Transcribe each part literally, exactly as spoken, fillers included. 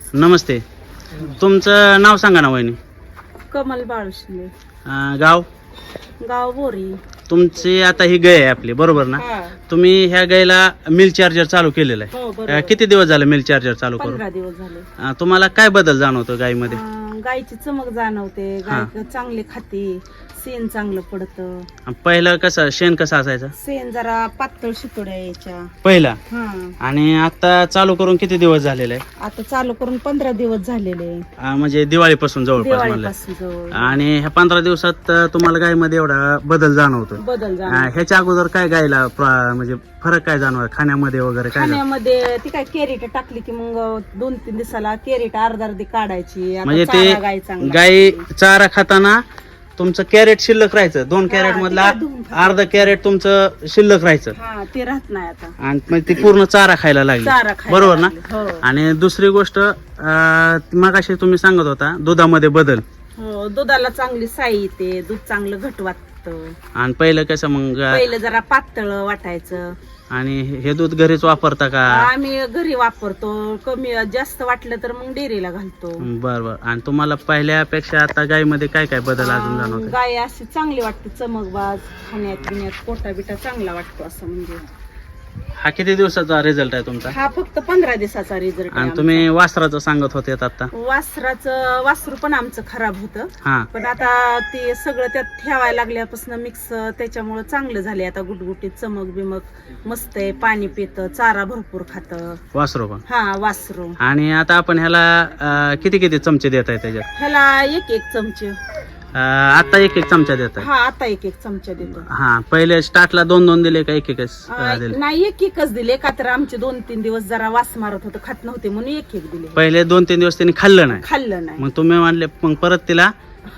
नमस्ते. तुमचं नाव सांगा ना वहिनी. कमल बाळुशले. अं, गाव गाव बोरी. तुमची आता ही गाय आहे आपली, बरोबर ना? हा. तुम्ही ह्या गायला मिल चार्जर चालू केलेलं आहे. हो अं, बरोबर. किती दिवस झाले मिल चार्जर चालू करून? पंधरा दिवस झाले. अं, तुम्हाला काय बदल जाणवतो गायीमध्ये? अं, गाईची चमक जाणवते. गाय चांगली खाते. शेण चांगलं पडतं. अं, पहिलं कसं शेण कसं असायचं शेण जरा पातळ शितोड्या यायच्या. पहिला? हा. आणि आता चालू करून किती दिवस झालेले आहे? आता चालू करून पंधरा दिवस झालेले. अं, म्हणजे दिवाळीपासून जवळपास म्हणलं. दिवाळीपासून जवळ आणि ह्या पंधरा दिवसात अं, तुम्हाला गायीमध्ये एवढा बदल जाणवतो? बदल अं, जाणवतो. ह्याच्या अगोदर काय गायला प्र- म्हणजे फरक काय जाणवला खाण्यामध्ये वगैरे काय जाणवलं? खाण्यामध्ये ती काय कॅरेट टाकली की मग दोन तीन दिवसाला कॅरेट अर्धा अर्धी काढायची. आता म्हणजे चारा ते गाय चांगला गाय खाते. चारा खाताना तुमचं कॅरेट शिल्लक राहायचं, दोन कॅरेट हा, मधला ते धुवून खाते. अर्धा कॅरेट तुमचं शिल्लक राहायचं हा ते राहत नाही आता. आणि मग ती पूर्ण चारा खायला लागली. चारा खायला बरोबर ना? लागली. हो. आणि दुसरी गोष्ट अं, मगाशी तुम्ही सांगत होता दुधामध्ये बदल. हो दुधाला चांगली साई येते. दूध चांगलं घट वाटतं. आणि पहिलं कसं मग पहिलं जरा पातळ वाटायचं. आणि हे दूध घरीच वापरता का? आम्ही घरी वापरतो. कमी जास्त वाटलं तर मग डेअरीला घालतो. बर बर. आणि तुम्हाला पहिल्यापेक्षा आता गायीमध्ये काय काय बदल अजून अं, जाणवतो? गाय अशी चांगली वाटते. चमकबाज खाण्यात पिण्यात पोटा बिटा चांगला वाटतो असं म्हणजे. हा किती दिवसाचा रिझल्ट आहे तुमचा? हा फक्त पंधरा दिवसाचा रिझल्ट आणि तुम्ही वासराचं सांगत होते आता? वासराचं वासरू पण आमचं खराब होतं. हा. पण आता ते सगळं त्यात ठेवायला लागल्यापासून मिक्स त्याच्यामुळं चांगलं झाले. आता गुटगुटीत चमक बिमक मस्त आहे. पाणी पितं. चारा भरपूर खातं वासरू पण. हा वासरू. आणि आता आपण ह्याला अं, किती किती चमचे देत आहे त्याच्यात? ह्याला एक एक चमचे. अं, आता एक एक चमचा देत आहे? हा आता एक एक चमचा देतो. हा. पहिले स्टार्टला दोन दोन दिले का एक एकच अं, अं, दिले? नाही एक एकच दिले. का तर आमचे दोन तीन दिवस जरा वास मारत होतं. खात नव्हते म्हणून एक एक दिले. पहिले दोन तीन दिवस त्यांनी खाल्लं नाही, खाल्लं नाही. मग तुम्ही म्हणले मग परत तिला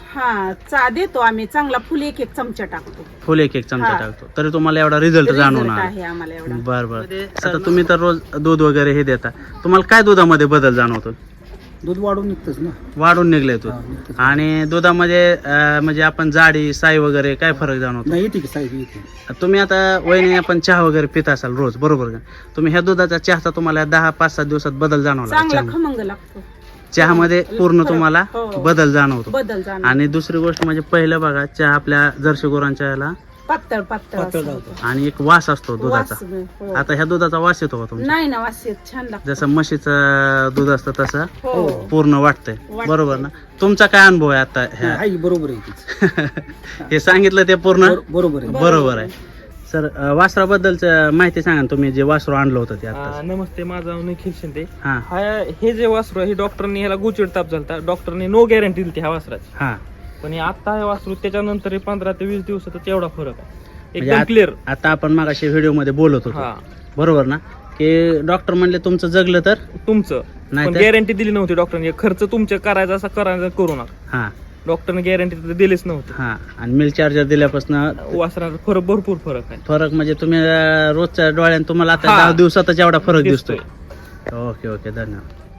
हा चा देतो आम्ही चांगला फुल एक एक चमचा टाकतो. फुल एक एक चमचा हा. टाकतो तरी तुम्हाला एवढा रिझल्ट Result जाणवणार? आहे आम्हाला एवढा. बर बर. आता तुम्ही तर रोज दूध वगैरे हे देता, तुम्हाला काय दुधामध्ये बदल जाणवतो? दूध वाढून निघतच ना. वाढून निघले दूध. हा, निघतंच. आणि दुधामध्ये अं, म्हणजे आपण जाडी साई वगैरे काय फरक जाणवतो? नाही येते की साहेब येते. तुम्ही आता वहिनी आपण चहा वगैरे पित असाल रोज, बरोबर का? तुम्ही ह्या दुधाचा चहाचा तुम्हाला दहा पाच सात दिवसात बदल जाणवला? चांगला चहा- खमंग लागतो. चहामध्ये पूर्ण फरक. तुम्हाला हो. बदल जाणवतो. बदल जाणवतो. आणि दुसरी गोष्ट म्हणजे पहिलं बघा चहा आपल्या जर्सी गुरांच्या ह्याला पातळ पातळ पातळ असं लावतो. होतं. आणि एक वास असतो दुधाचा. वास, हो. आता ह्या दुधाचा वास येतो का तुमचा? नाही ना वास येत. छान लागतो. जसं म्हशीचं दूध असतं तसं हो पूर्ण वाटतंय, वाटतंय. बरोबर ना? तुमचा काय अनुभव आहे आता ह्या आई बरोबर आहे तीच. हे सांगितलं ते पूर्ण बरो- बरोबर आहे. बरोबर आहे. सर वासराबद्दलच माहिती सांगा ना, तुम्ही जे वासरू आणलं होतं ते आता. आ, नमस्ते, माझं नाव निखिल शिंदे. हा हा हे जे वासरू आहे, हे डॉक्टरनी ह्याला गुचिड ताप झालता. डॉक्टरने नो गॅरंटी दिली ह्या वासराची. हा. पण हे आता हे वासरू त्याच्यानंतर हे पंधरा ते वीस दिवसातच एवढा फरक आहे. म्हणजे एकदम आत- क्लिअर. आता आपण मागाशी व्हिडिओ मध्ये बोलत होतो, हा बरोबर ना? की डॉक्टर म्हणले तुमचं जगलं तर तुमचं. नाही पण तर? गॅरंटी दिली नव्हती डॉक्टरने. खर्च तुमच्या करायचा असा करायचा करू नका. हा डॉक्टरने गॅरंटी दिलीच नव्हती. हा. आणि मिल चार्जर दिल्यापासून वासराचा फरक भरपूर फरक आहे. फरक म्हणजे तुम्ही अं, रोजच्या डोळ्याने तुम्हाला आता हा. दहा दिवसातच एवढा फरक दिसतोय. दिसतोय. ओके ओके, धन्यवाद.